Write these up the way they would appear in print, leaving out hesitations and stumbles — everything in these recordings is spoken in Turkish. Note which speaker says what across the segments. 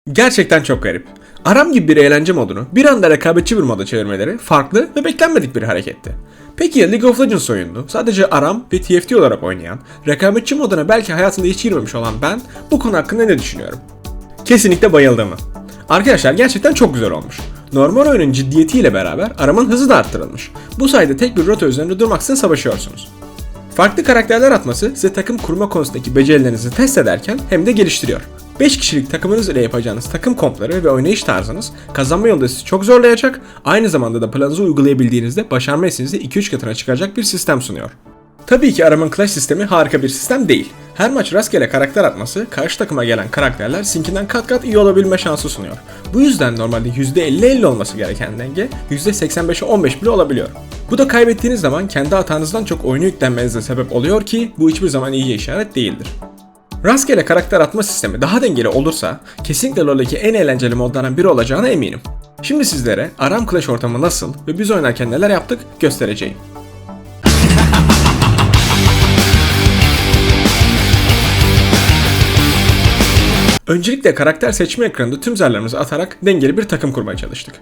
Speaker 1: Gerçekten çok garip. Aram gibi bir eğlence modunu bir anda rekabetçi bir moda çevirmeleri farklı ve beklenmedik bir hareketti. Peki ya League of Legends oyununu sadece Aram ve TFT olarak oynayan, rekabetçi moduna belki hayatında hiç girmemiş olan ben bu konu hakkında ne düşünüyorum? Kesinlikle bayıldığımı. Arkadaşlar gerçekten çok güzel olmuş. Normal oyunun ciddiyetiyle beraber Aram'ın hızı da arttırılmış. Bu sayede tek bir rota üzerinde durmaksızın savaşıyorsunuz. Farklı karakterler atması size takım kurma konusundaki becerilerinizi test ederken hem de geliştiriyor. 5 kişilik takımınız ile yapacağınız takım kompları ve oynayış tarzınız kazanma yolunda sizi çok zorlayacak, aynı zamanda da planınızı uygulayabildiğinizde başarma hissinizi 2-3 katına çıkaracak bir sistem sunuyor. Tabii ki Aram'ın Clash sistemi harika bir sistem değil. Her maç rastgele karakter atması, karşı takıma gelen karakterler sinkinden kat kat iyi olabilme şansı sunuyor. Bu yüzden normalde %50-50 olması gereken denge %85'e 15 bile olabiliyor. Bu da kaybettiğiniz zaman kendi hatanızdan çok oyunu yüklenmenize sebep oluyor ki bu hiçbir zaman iyi işaret değildir. Rastgele karakter atma sistemi daha dengeli olursa kesinlikle LoL'deki en eğlenceli modlardan biri olacağına eminim. Şimdi sizlere Aram Clash ortamı nasıl ve biz oynarken neler yaptık göstereceğim. Öncelikle karakter seçme ekranında tüm zarlarımızı atarak dengeli bir takım kurmaya çalıştık.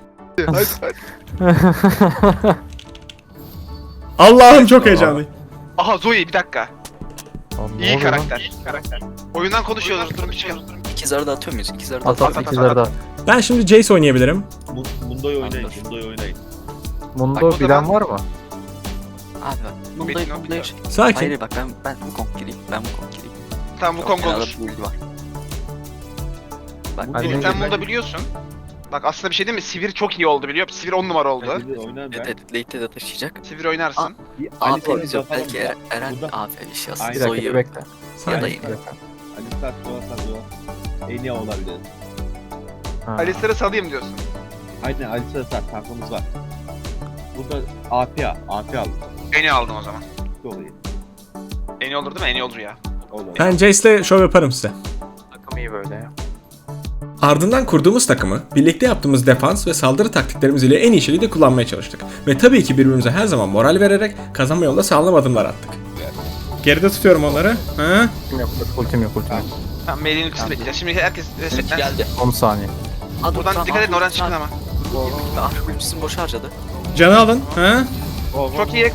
Speaker 1: Allah'ım çok heyecanlıyım.
Speaker 2: Aha Zoe bir dakika.
Speaker 3: Oğlum, ne
Speaker 2: İyi
Speaker 3: oluyor lan?
Speaker 2: karakter. Oyundan konuşuyoruz durun bir şey.
Speaker 4: İkizleri de atıyor muyuz? İkizleri de
Speaker 3: At
Speaker 4: atıyor.
Speaker 3: at ikizleri de at.
Speaker 1: Ben şimdi Jace oynayabilirim.
Speaker 5: Mundo'yu oynayın, Mundo'yu oynayın.
Speaker 3: Mundo
Speaker 2: Bak, o
Speaker 3: bilen
Speaker 2: zaman-
Speaker 3: var mı?
Speaker 4: Abi bak. Bunda
Speaker 2: Metin
Speaker 4: bunda
Speaker 2: yok.
Speaker 1: Sakin.
Speaker 4: Hayır bak ben bu konk gireyim. Ben bu konk gireyim.
Speaker 2: Tamam bu Kong olur.
Speaker 4: Build var. Bak
Speaker 3: Ben
Speaker 2: Melih
Speaker 3: de-
Speaker 2: sen bunu da biliyorsun. Bak aslında bir şey değil mi? Sivir çok iyi oldu biliyor musun? Sivir 10 numara oldu.
Speaker 5: Hadi oynayın ben.
Speaker 4: evet late'de de taşıyacak.
Speaker 2: Sivir oynarsın.
Speaker 5: Bir
Speaker 4: AP
Speaker 5: Alistar'ı
Speaker 4: diyeceğim.
Speaker 5: basalım
Speaker 4: Belki
Speaker 5: ya.
Speaker 4: Eren
Speaker 5: Burada
Speaker 4: AP bir şey yazsın.
Speaker 5: Aynen.
Speaker 3: Bir dakika
Speaker 4: Zoe'yu
Speaker 3: bir bekle.
Speaker 4: ya da
Speaker 1: Sakin.
Speaker 4: yine.
Speaker 5: Alistar, Doğa. En iyi olabilir.
Speaker 3: Ha.
Speaker 2: Alistar'ı salayım diyorsun.
Speaker 5: Aynen Alistar sat, tankımız var. Burada AP aldım.
Speaker 2: En iyi aldım o zaman.
Speaker 5: Çok iyi.
Speaker 2: En iyi olur değil mi? En iyi olur ya.
Speaker 5: Olur.
Speaker 1: Ben Jace'le şov yaparım size.
Speaker 3: Takım iyi böyle ya.
Speaker 1: Ardından kurduğumuz takımı birlikte yaptığımız defans ve saldırı taktiklerimiz ile en iyi şekilde kullanmaya çalıştık. Ve tabii ki birbirimize her zaman moral vererek kazanma yolunda sağlam adımlar attık. Geride tutuyorum onları. Ha?
Speaker 3: Ultim yok ultim yok.
Speaker 2: Tamam Melih'in ultisini bekleyeceğiz. Şimdi herkes resetlen.
Speaker 4: Geldi.
Speaker 3: 10 saniye.
Speaker 4: Aa, dur,
Speaker 2: Buradan
Speaker 4: tamam,
Speaker 2: dikkat edin
Speaker 4: aa,
Speaker 2: oradan
Speaker 4: dur,
Speaker 2: çıkın ama.
Speaker 4: Ah ultisini boş harcadı.
Speaker 1: Canı alın. Ha?
Speaker 2: Çok iyi.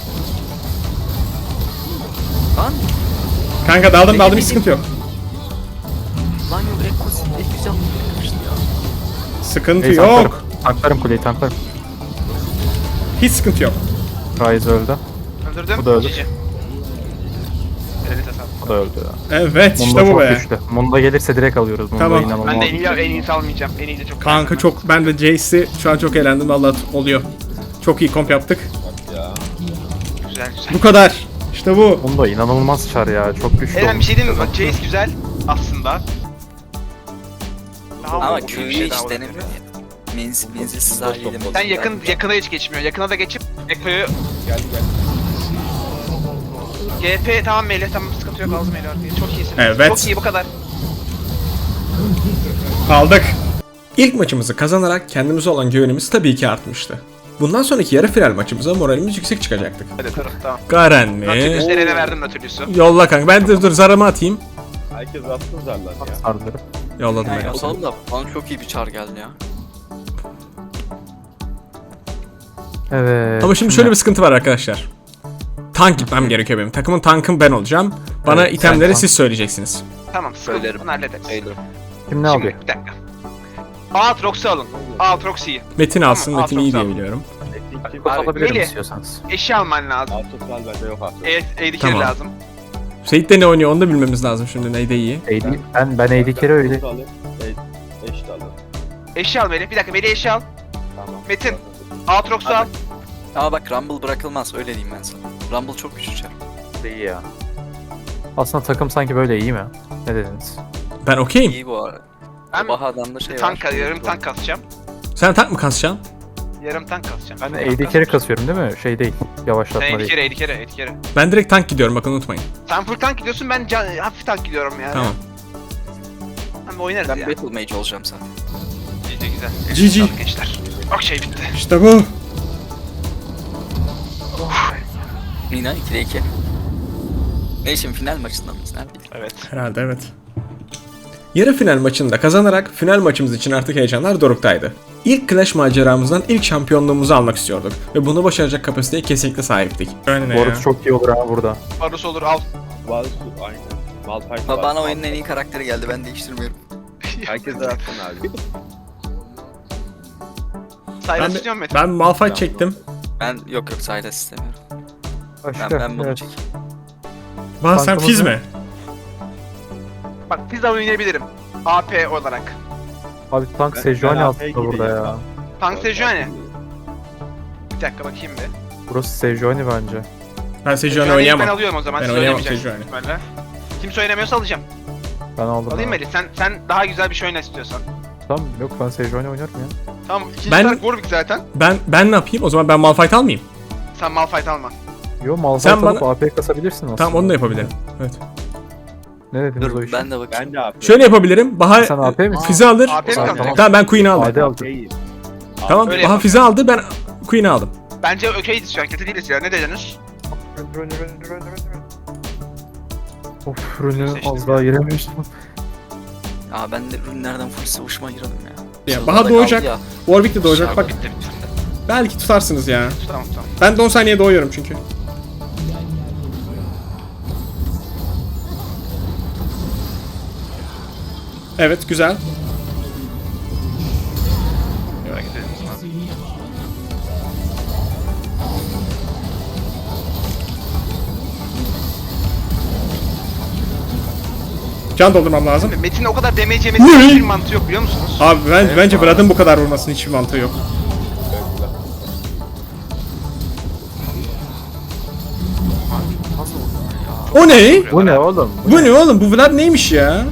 Speaker 4: Lan
Speaker 1: Kanka daldım hiç sıkıntı yok.
Speaker 4: lan yok Ekos Ekos yapmıştı ya.
Speaker 1: Sıkıntı
Speaker 3: Neyse,
Speaker 1: yok.
Speaker 3: Tanklarım kuleyi tanklarım.
Speaker 1: Hiç sıkıntı yok.
Speaker 3: Ryze öldü.
Speaker 2: Öldürdüm.
Speaker 3: Bu da öldü.
Speaker 2: GG. Elit hesap.
Speaker 3: O da öldü ya.
Speaker 1: Evet
Speaker 3: Mundo
Speaker 1: işte bu
Speaker 3: çok
Speaker 1: be.
Speaker 3: güçlü. Mundo gelirse direkt alıyoruz. Mundo
Speaker 1: Tamam.
Speaker 3: inanılmaz.
Speaker 2: Ben de en iyisi almayacağım. En iyi de çok
Speaker 1: Kanka
Speaker 2: beğendim
Speaker 1: çok ben de Jace'i şu an çok eğlendim vallahi oluyor. Çok iyi komp yaptık.
Speaker 5: Ya.
Speaker 2: ben. Güzel güzel.
Speaker 1: Bu kadar. İşte bu.
Speaker 3: Mundo inanılmaz çar ya. Çok güçlü
Speaker 2: Eren bir
Speaker 3: olmuş.
Speaker 2: şey diyeyim mi? Bak Jace güzel aslında. Daha
Speaker 4: Ama
Speaker 2: olmamış bir
Speaker 4: Q'yu
Speaker 2: şey
Speaker 4: hiç
Speaker 2: daha olabilir.
Speaker 4: denemiyor ya. Menzilsiz haliyle.
Speaker 2: Sen yakına hiç geçmiyor. Yakına da geçip Ekko'yu
Speaker 5: Geldi.
Speaker 2: GP tamam Melih tamam sıkıntı yok aldım Melih arkayı. Çok iyisin.
Speaker 1: Evet.
Speaker 2: Çok iyi bu kadar.
Speaker 1: Aldık. İlk maçımızı kazanarak kendimize olan güvenimiz tabii ki artmıştı. Bundan sonraki yarı final maçımıza moralimiz yüksek çıkacaktık.
Speaker 2: Hadi tamam.
Speaker 1: Garen mi?
Speaker 2: Nautilus Eren'e verdim Nautilus'u.
Speaker 1: Yolla kanka. Ben de dur zarımı atayım.
Speaker 5: Herkes attı zarlar ya.
Speaker 3: Sarıları.
Speaker 1: Yolladım ben.
Speaker 4: Yani o zaman da bana çok iyi bir çar geldi ya.
Speaker 3: Evet.
Speaker 1: Ama şimdi şöyle bir sıkıntı var arkadaşlar. Tank gitmem gerekiyor benim. Takımın tankım ben olacağım. Bana
Speaker 3: Evet,
Speaker 1: itemleri
Speaker 3: sen
Speaker 1: siz söyleyeceksiniz.
Speaker 2: Tamam sıkıntı
Speaker 4: Söylerim.
Speaker 2: bunu hallederiz.
Speaker 4: Söylerim.
Speaker 3: Kim ne
Speaker 2: Şimdi
Speaker 3: alıyor?
Speaker 2: bir dakika. Aatrox'u alın. Aatrox'u.
Speaker 1: Metin alsın.
Speaker 2: Tamam,
Speaker 1: Metin iyi diye
Speaker 2: Aatrox
Speaker 1: biliyorum.
Speaker 5: Kim?
Speaker 3: Kod alabilirim
Speaker 2: Melih.
Speaker 3: istiyorsanız.
Speaker 2: Eşi alman lazım.
Speaker 5: Artosal bende yok artık.
Speaker 2: AD
Speaker 1: Tamam.
Speaker 2: lazım.
Speaker 1: Seyit de ne oynuyor onu da bilmemiz lazım şimdi. Neyde iyi.
Speaker 3: Ben AD carry öyle.
Speaker 5: Artos'u alayım. Eşit alın.
Speaker 2: Eşi al Melih. Bir dakika Melih eşi al.
Speaker 5: Tamam.
Speaker 2: Metin. Aatrox'u al.
Speaker 4: Ama bak Rumble bırakılmaz öyle diyeyim ben sana. Rumble çok güçlü çar.
Speaker 3: İyi ya. Aslında takım sanki böyle iyi mi? Ne dediniz?
Speaker 1: Ben okeyim.
Speaker 4: İyi bu arada.
Speaker 2: Ben
Speaker 4: Bahadan'da şey
Speaker 2: tank,
Speaker 4: var.
Speaker 2: yarım tank kasacağım.
Speaker 1: Sen tank mı kasacaksın?
Speaker 2: Yarım tank kasacağım.
Speaker 3: Ben
Speaker 2: Tank
Speaker 3: AD carry
Speaker 2: kasacağım.
Speaker 3: kasıyorum değil mi? Şey değil. Yavaşlatma
Speaker 2: Sen
Speaker 3: değil.
Speaker 2: AD carry.
Speaker 1: Ben direkt tank gidiyorum bakın unutmayın.
Speaker 2: Sen full tank gidiyorsun ben hafif tank gidiyorum yani.
Speaker 1: Tamam.
Speaker 2: Hem oynarız
Speaker 4: Ben
Speaker 2: ya.
Speaker 4: Battle Mage olacağım zaten.
Speaker 2: Güzel.
Speaker 1: GG.
Speaker 2: Sağlık gençler. Okey bitti.
Speaker 1: İşte bu.
Speaker 4: Nina 2'de 2. Ne şimdi final maçında mıyız? Neredeyiz?
Speaker 2: Evet.
Speaker 1: Herhalde evet. Yarı final maçını da kazanarak final maçımız için artık heyecanlar doruktaydı. İlk Clash maceramızdan ilk şampiyonluğumuzu almak istiyorduk ve bunu başaracak kapasiteye kesinlikle sahiptik. Öyle
Speaker 3: Boris çok iyi olur ha burada.
Speaker 2: Varus olur al.
Speaker 5: Varus aynen. Malphite
Speaker 4: Ama
Speaker 5: var.
Speaker 4: bana oyunun en iyi karakteri geldi, ben değiştirmiyorum.
Speaker 5: Herkese atsana abi.
Speaker 2: Sylas istiyor musun Metin?
Speaker 1: Ben Malphite çektim.
Speaker 4: Ben yok Sylas istemiyorum.
Speaker 3: Başka.
Speaker 4: Ben bunu
Speaker 3: evet.
Speaker 4: çekeyim.
Speaker 1: Bana sen
Speaker 3: Tankımız
Speaker 1: Fizz
Speaker 3: ne?
Speaker 1: mi?
Speaker 2: Bak pizza oynayabilirim. AP olarak.
Speaker 3: Abi tank
Speaker 5: Ben-
Speaker 3: Sejuani
Speaker 5: ben
Speaker 3: aslında
Speaker 5: AP'ye
Speaker 3: burada
Speaker 5: gideyim
Speaker 3: ya.
Speaker 2: Tank Sejuani. Bir dakika bakayım bir.
Speaker 3: Burası Sejuani bence.
Speaker 1: Ben Sejuani
Speaker 2: Sejuani'yi Ben
Speaker 1: oynayamam.
Speaker 2: alıyorum o zaman.
Speaker 1: Ben
Speaker 2: siz
Speaker 1: oynayamam
Speaker 2: oynamayacaksınız
Speaker 1: Sejuani.
Speaker 2: ihtimalle. Kimse oynamıyorsa alacağım.
Speaker 3: Ben aldım.
Speaker 2: Alayım
Speaker 3: ya.
Speaker 2: Melih. Sen daha güzel bir şey oyna istiyorsan.
Speaker 3: Tamam yok ben Sejuani oynarım ya.
Speaker 2: Tamam ikinci
Speaker 1: Ben-
Speaker 2: tank Warwick zaten.
Speaker 1: Ben ne yapayım? O zaman ben Malphite almayayım.
Speaker 2: Sen Malphite alma.
Speaker 3: Yo Malphite
Speaker 1: Sen
Speaker 3: alıp
Speaker 1: bana-
Speaker 3: AP kasabilirsin aslında.
Speaker 1: Tamam onu da yapabilirim. Evet.
Speaker 3: Ne dediniz o
Speaker 4: Dur
Speaker 3: işi?
Speaker 4: ben de bakayım.
Speaker 5: Ben de AP.
Speaker 1: Şöyle yapabilirim. Baha
Speaker 3: Sen AP misin?
Speaker 1: Fizz'i alır.
Speaker 2: AP mi
Speaker 3: Tamam,
Speaker 2: kaldı?
Speaker 3: tamam.
Speaker 1: Tamam ben Queen'i aldım.
Speaker 3: AD aldım.
Speaker 5: AP'yim.
Speaker 1: Tamam
Speaker 2: Öyle
Speaker 1: Baha
Speaker 2: yapalım.
Speaker 1: Fizz'i aldı, ben Queen'i aldım.
Speaker 2: Bence okeydi şu an. Kötü değiliz ya. Ne dediniz?
Speaker 3: Of rünü
Speaker 2: Seçtim
Speaker 3: az daha girememiştim.
Speaker 4: Aa ben de ürünlerden full savuşma girdim ya.
Speaker 1: Ya,
Speaker 4: Sırada
Speaker 1: Baha
Speaker 4: kaldı
Speaker 1: doğacak.
Speaker 4: ya.
Speaker 1: Warwick de doğacak. Bak
Speaker 4: Bitti, bitti.
Speaker 1: belki tutarsınız ya.
Speaker 2: Tamam tamam.
Speaker 1: Ben de 10 saniye doğuyorum çünkü. Evet güzel.
Speaker 2: Merak edelim.
Speaker 1: Can doldurmam lazım.
Speaker 2: Metin'in o kadar damage yemesinin hiçbir mantığı yok biliyor musunuz?
Speaker 1: Abi bence Vlad'ın bu kadar vurmasının hiçbir mantığı yok. O ne?
Speaker 3: Bu ne oğlum?
Speaker 1: Bu ne oğlum? Bu Vlad neymiş ya?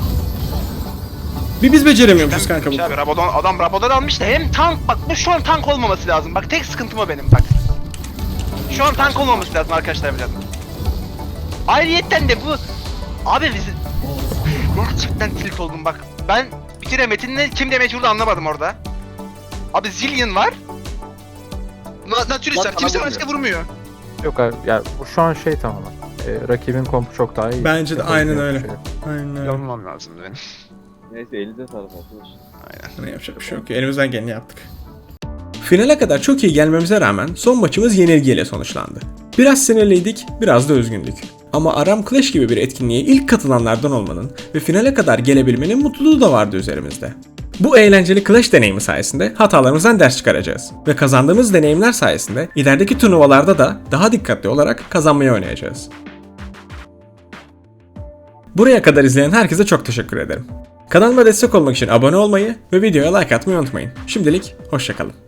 Speaker 1: Biz beceremiyormuşuz kanka bu.
Speaker 2: Abi adam Rabadon almış da hem tank bak bu şu an tank olmaması lazım. Bak tek sıkıntım o benim bak. Şu an tank olmaması lazım arkadaşlar biraz. Ayrıyetten de bu abi bizi gerçekten tilt oldum bak. Ben bir kere Metin'le kim demek vurdu anlamadım orada. Abi Zillion var. Natürlisler
Speaker 4: Bak,
Speaker 2: kimse
Speaker 4: bana
Speaker 2: başka vurmuyor.
Speaker 3: Yok abi ya bu şu an şey tamamen. Rakibin kompu çok daha iyi.
Speaker 1: Bence de aynen
Speaker 3: Yapabileceğim
Speaker 1: öyle.
Speaker 3: bir şey yok.
Speaker 1: Aynen öyle.
Speaker 2: Yanılmam lazım benim.
Speaker 5: Neyse elinize sağlık arkadaşlar.
Speaker 1: Ne yapacak bir şey yok. Elimizden geleni yaptık. Finale kadar çok iyi gelmemize rağmen son maçımız yenilgiyle sonuçlandı. Biraz sinirliydik, biraz da üzgündük. Ama Aram Clash gibi bir etkinliğe ilk katılanlardan olmanın ve finale kadar gelebilmenin mutluluğu da vardı üzerimizde. Bu eğlenceli Clash deneyimi sayesinde hatalarımızdan ders çıkaracağız. Ve kazandığımız deneyimler sayesinde ilerideki turnuvalarda da daha dikkatli olarak kazanmayı oynayacağız. Buraya kadar izleyen herkese çok teşekkür ederim. Kanalıma destek olmak için abone olmayı ve videoya like atmayı unutmayın. Şimdilik hoşça kalın.